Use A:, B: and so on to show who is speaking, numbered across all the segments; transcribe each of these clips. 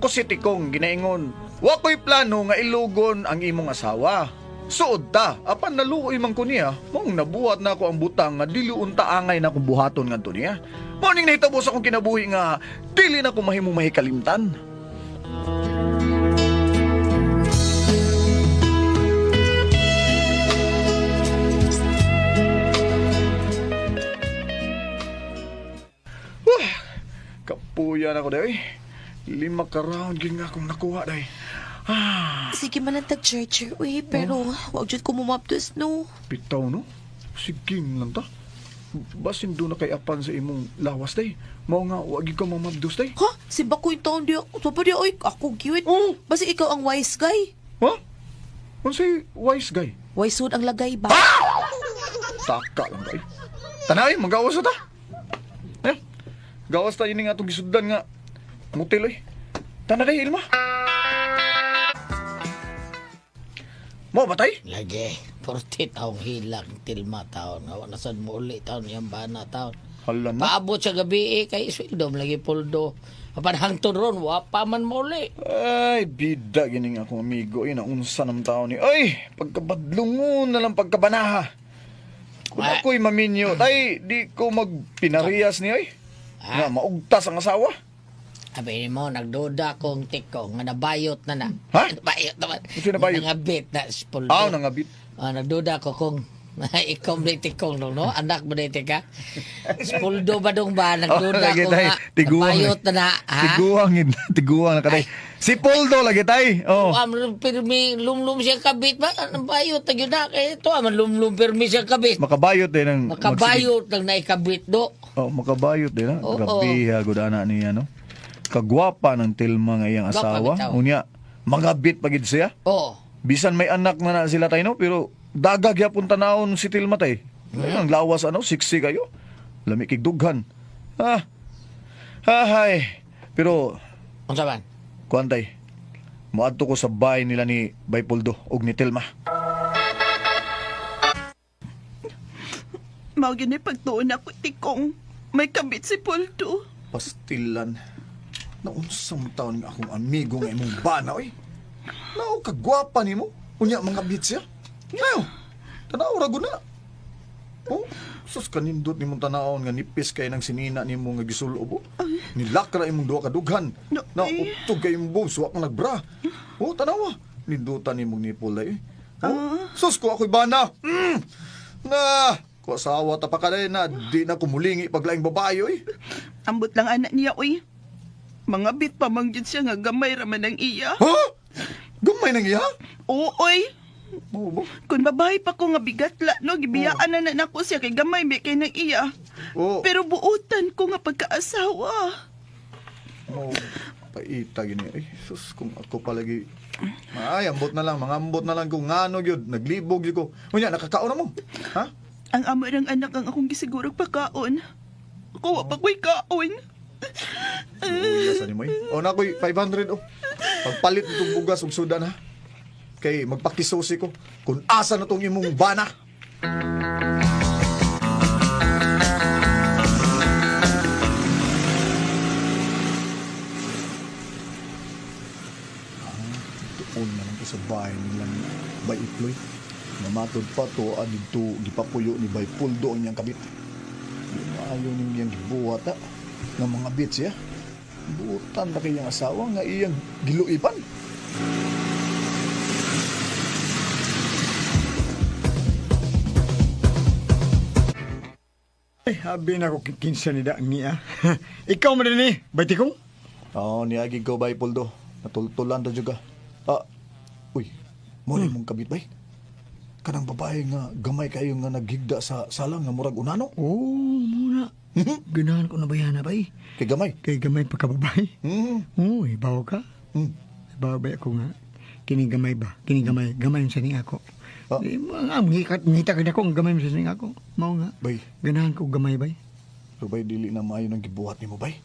A: Ako si Tikong ginaingon, wa ko'y plano nga ilugon ang imong asawa. Suod ta, apan naluoy man ko niya, mong nabuhat na ako ang butang nga dili unta angay na akong buhaton ngadto niya. Morning nahitabo sa akong kinabuhi nga dili na ko mahimong mahikalimtan. Kapuyan ako day. 5 ka round yun nga akong nakuha day.
B: Sige man ang tag-charger, uy, pero wag dyan ko mumapdos, no?
A: Bitaw no? Sige lang ta. Basin doon na kay apan sa imong lawas day. Mao nga wag ka mamabdos day.
B: Ha? Si Bakoy taon di ako. Sapa di, uy, ako cute.
A: Oh.
B: Basi ikaw ang wise guy.
A: Ha? Unsay wise guy?
B: Wise hood ang lagay ba?
A: Taka lang day. Tanay, magawas na ta. Eh? Gawas tayo nga itong gisuddan nga mutil oy. Tanay, Ilma. Mo batay?
C: Lagi, 40 taong hilang, tilma taon. Awa na sad mo uli taon, yung bana taon.
A: Hala na.
C: Paabot sa gabi kay sweldo, lagi puldo. Apan hangtod ron, wapa man mo uli.
A: Ay, bida gining akong amigo. Ay, naunsa ng tao ni. Ay, pagkabadlungon na lang pagkabanaha. Kung ako'y maminyo, tay, di ko magpinariyas ni ay. Nga, maugtas ang asawa.
C: Sabi mo, nagduda kong tiko, nga nabayot na na.
A: Ha?
C: Nabayot naman.
A: Ito nabayot?
C: Nangabit na spuldo.
A: Nangabit.
C: Nagduda ko kung ikaw may tikong no? Anak mo na ka? Spuldo ba dong ba? Nagduda
A: lagi
C: ko
A: tay,
C: nga,
A: tiguang.
C: nabayot na na. Ha?
A: Tiguang na katay. Si Poldo lagi tay. Oh.
C: Pirmi, lumlum siya kabit ba? Nabayot na yun na. Kaya ito, lumlum pirmi siya kabit.
A: Makabayot din ang
C: Makabayot lang na ikabit do.
A: Oh, makabayot din ha.
C: Oo.
A: Grabe ha, gudana niya no. Kagwapa ng Tilma nga iyang
C: Gwapa
A: asawa.
C: bitaw.
A: Unya, magabit pagid siya.
C: Oo.
A: Bisan may anak na sila tayo no, pero dagag yapon tanawon si Tilma tay. Ang lawas siksi kayo. Lami kig dughan. Hay. Pero
C: Ang saban?
A: kuantay. Moadto ko sa bahay nila ni Baypoldo ug ni Tilma.
D: Mao gini pagtuon ako, Tikong. May kabit si Poldo.
A: Pastilan. Naunsang taon nga akong amigo nga imong bana oy. Nao kagwapa nimo. Unya mga bit siya. Ngayo. Tanaw ra guna. Oh, sus kanindot nimong tanawon nga nipis kay nang sinina nimo nga gisulob. Nilakra imong duha ka dughan. Na utog kay imong boobs wa ka nagbra. Oh, tanawa. Nindutan nimong nipol ay. Oh, sus ko ako'y bana. Na, ko asawa ta pa kaday na di na kumulingi paglaing babae oy.
D: Ambot lang anak niya, uy. Mga bit pa manggit siya nga gamay raman ang iya.
A: Ha? Gamay nang iya?
D: Oo, uy.
A: Oo ba?
D: Kung babae pa ko nga bigatla, no, gibiyaan na nako siya kay gamay may kay nang iya.
A: Oo.
D: Pero buutan ko nga pagkaasawa.
A: Oh, paita gini. Ay, sus, kung ako palagi... Ay, ambot na lang, mga ambot na lang kung ngano yun. Naglibog yun ko. Unya, nakakaon na mo. Ha?
D: Ang amo ng anak ang akong gisigurog pagkaon. Kuha pa ko'y kaon.
A: Uy, sa ni mo eh. O na ko'y 500 oh. Pagpalit itong bugas ug sudan ha. Kay magpakisusi ko kung asa na tong imong bana. Tuon na lang ko sa bahay nilang Bayiploy. Namatod pa to dito gipapuyo ni Baypoldo ang iyang kabit. Ayaw niyang gibuhat ha. Ng mga bits ya. Buutan na kayang asawa nga iyang giluipan.
E: Ay, habi na ako kikinsa ni Daang niya. Ikaw mo rin eh, baiti ko?
A: Oo, niagig ko bay, Poldo. Natultulan to juga. Uy, muli mong kabit bay? Kanang babae nga gamay kayo nga naghigda sa salang nga murag unano?
E: Oo, muna. Ganahan ko na ba yan, bay?
A: Kay gamay?
E: Kay gamay pagkababay. Oo, ibaw ka.
A: Hmm.
E: Ibaw ba ako nga? Kinigamay ba? Kinigamay. Gamay sa ning ako. Ngita ka na ko, ang gamay mo sa ning ako. Mao nga.
A: Bay,
E: Ganahan ko gamay, bay.
A: pero bay, dili na maayo ng gibuhat ni mo, bay.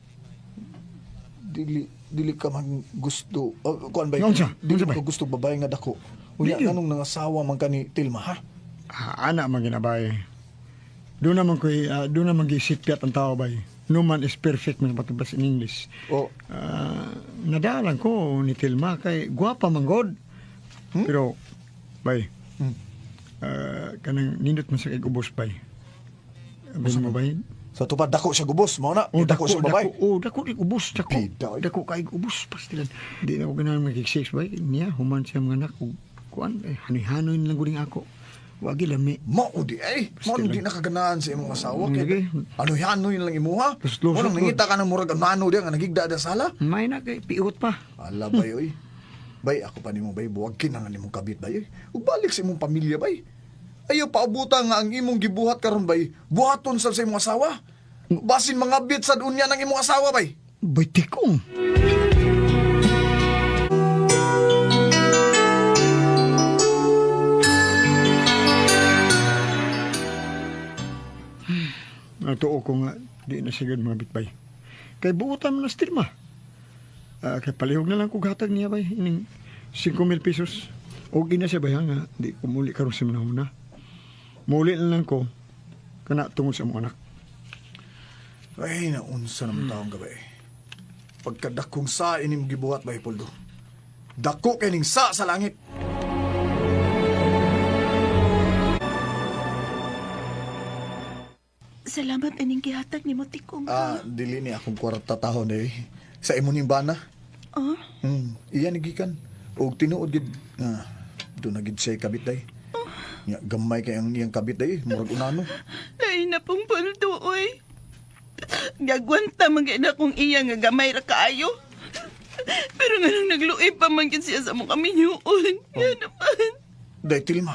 A: Dili ka man gusto. Kuan bay?
E: Nga unsa?
A: Dili
E: Unsa, bay?
A: ka gusto babae nga dako. Unya,
E: Dili.
A: anong nangasawa man ka ni Tilma, ha?
E: Anak man ginabay. Doon naman giisipyat ang tao, bay. no man is perfect man patubas in English.
A: Oh,
E: Nadalan ko ni Tilma kay guwapa man god. Pero bay. Kanang nindot man sa kay ubos bay. Abay mo bay.
A: sa tupad dako siya gubos, mo na. Dako siya babay.
E: Dako di ubos, dako.
A: Pida, oy.
E: Dako kay ubos pastilan. Di na ko ganahan magkik-6 bay. Niya human siya mga anak ko. Kuan hanoy-hanoy lang guring ako. Wagi lami.
A: Mao di ay. Mao di nakaganahan sa imong asawa kay.
E: Lagi.
A: Ano hanoy lang imuha?
E: Lusot-lusot,
A: Mo nang nangita ka ng murag ano diya nga nagigda da sala.
E: May na kay piot pa.
A: Ala bay oy. Bay ako pa nimo bay buwag kinang nimong kabit bay. Ug balik sa imong pamilya bay. Ayaw paubuta nga ang imong gibuhat karon bay. Buhaton sa imong asawa. Basin mga bit sa dunya ng imong asawa bay.
E: Bay tikong. Natuo ko nga, di na sigad mga bitbay. Kay buutan mo na stirma. Kay palihog na lang kong hatag niya bay, ining 5,000 pesos. O gina siya bay nga, di ko muli karon sa manahuna. Muli na lang ko, kana tungod sa mga anak.
A: Ay, naunsa naman taong gabay. Pagkadakong sa inim gibuhat bay Poldo. Dako kining sa langit.
D: Salamat aning gihatag ni mo tikong.
A: Dili ni akong kwarta tahon eh. Sa imo ning bana.
D: Oh,
A: Iya nigikan. Og tinuod gid nga do na gid siya kabit day. Nya gamay kay ang iyang kabit day, murag unano.
D: lain na pong paldo, oy. Gagwanta man gid akong iya nga gamay ra kaayo. Pero nga nang nagluoy pa man gid siya sa mong kaminyuon. Yan naman.
A: Day Tilma.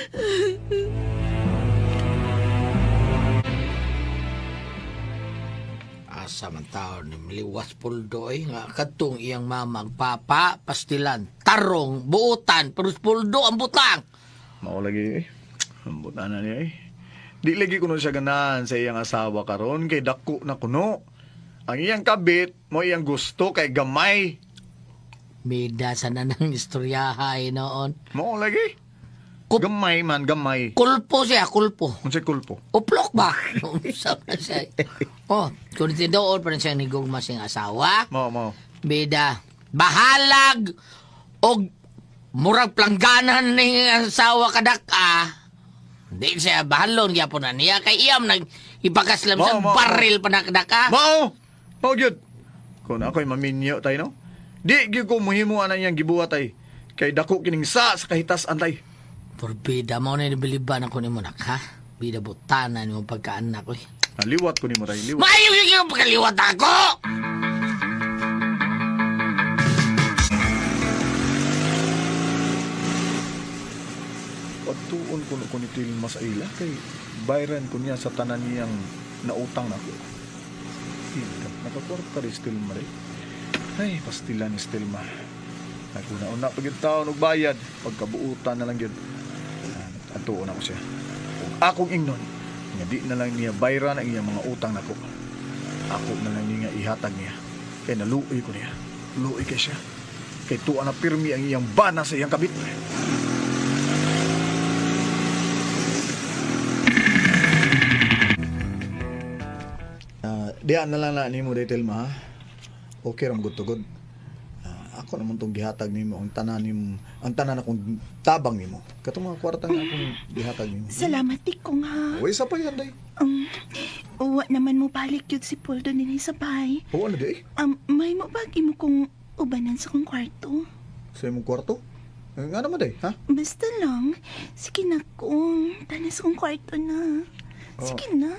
C: Asa man taon ni Mliwas Puldoy nga katong iyang mamang papa, pastilan, tarong, buutan, perus Puldo ang butang.
A: Mao lagi eh. Ambot na niya eh. Di lagi kuno siya ganahan sa iyang asawa karon kay dako na kuno. Ang iyang kabit mo iyang gusto kay gamay.
C: Mida sa nanang istoryahay noon.
A: Mao lagi.
C: Kup-
A: Gamay man, gamay.
C: Kulpo siya, kulpo.
A: Unsay kulpo?
C: Uplok ba? Usap na siya. Oh, kung tinuod pa rin siya ni Gugma siyang asawa,
A: Mao.
C: bida, bahalag, o murag plangganan ni asawa kadaka. Hindi siya bahalon, gyapon na niya. Kay iyam, ipakaslam sa
A: Mao.
C: baril pa na kadaka.
A: Mao gyud. Kung ako'y maminyo tayo no. Di gyud ko muhimo ana iyang gibuhat ay. Kay dako kining sa kahitas antay.
C: Porbida mo na nibiliban ako ni mo nak, ha? Bida butana ni mo pagkaanak ko.
A: Liwat ko ni mo tay, liwat.
C: Maayo yung pagkaliwat ako!
A: Pagtuon ko ni Tilma sa ila kay bayran ko niya sa tanan niyang nautang nako. Ika, nakakwarta rin Tilma rin. Ay, pastilan ni Tilma. Naguna-una pag yung taon og bayad, pagkabuutan na lang yun. Atuon ako siya. Kung akong ingnon, nga di na lang niya bayran ang iyang mga utang nako. Ako na lang niya ihatag niya. Kaya naluoy ko niya. Luoy kay siya. Kay tuwa na pirmi ang iyang bana sa iyang kabit. Diyan na lang na ni mo detail ma. Okay ram good to good. Ako naman tong gihatag nimo ang tanan akong tabang nimo. Katong mga kwarta nga akong gihatag nimo.
D: Salamat tikong ha.
A: Uy, sa pa yan day.
D: Uwa naman mo balik yun si Poldo din sa bahay.
A: Oo, ano day?
D: May mabagi mo kong ubanan sa kong kwarto.
A: Sa imong kwarto? Nga naman day, ha?
D: Basta lang, sige na kong tanas kong kwarto na. Sige na.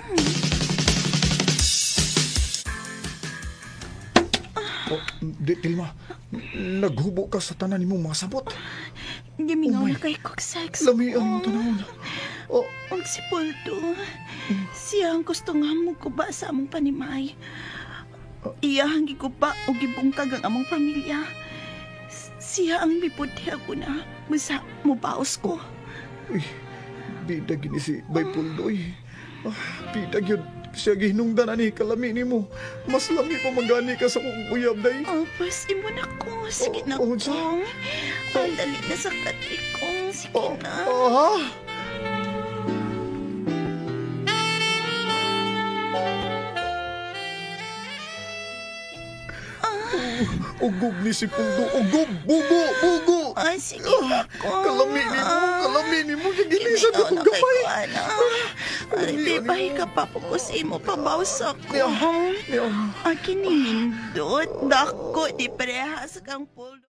A: Oh, di, Tilma, naghubo ka sa tanan nimo mga sabot.
D: Gamingaw
A: Oh my-
D: na kay kong sex.
A: Lami ang tanawon. Oh,
D: Ang si Poldo, siya ang gusto nga mo kuba sa among panimay. Iya ang gikuba o gibungkag ang among pamilya. Siya ang mipudhi ako na basta mubaos ko.
A: uy, bida gini si Baypuldoy. Bida yun. Siya gihinungdan ani kalami nimo. Mas lami pa magani ka sa kong uyab day.
D: Bas, imo na ko. Sige na
A: Oh,
D: kong. Ang dali na sa katikong. Sige na.
A: Ha? Ugog ni si Pundo. Ugog! Bugo! Bugo!
D: Ay, sige ako.
A: Kalami ni mo! Kalami ni mo! Gilisan na kong gamay!
D: Ay, bebahi ka pa po ko sa imo pabawsa ko.
A: Niya.
D: Akin ni Nindot. Dako, di parehas kang puldo.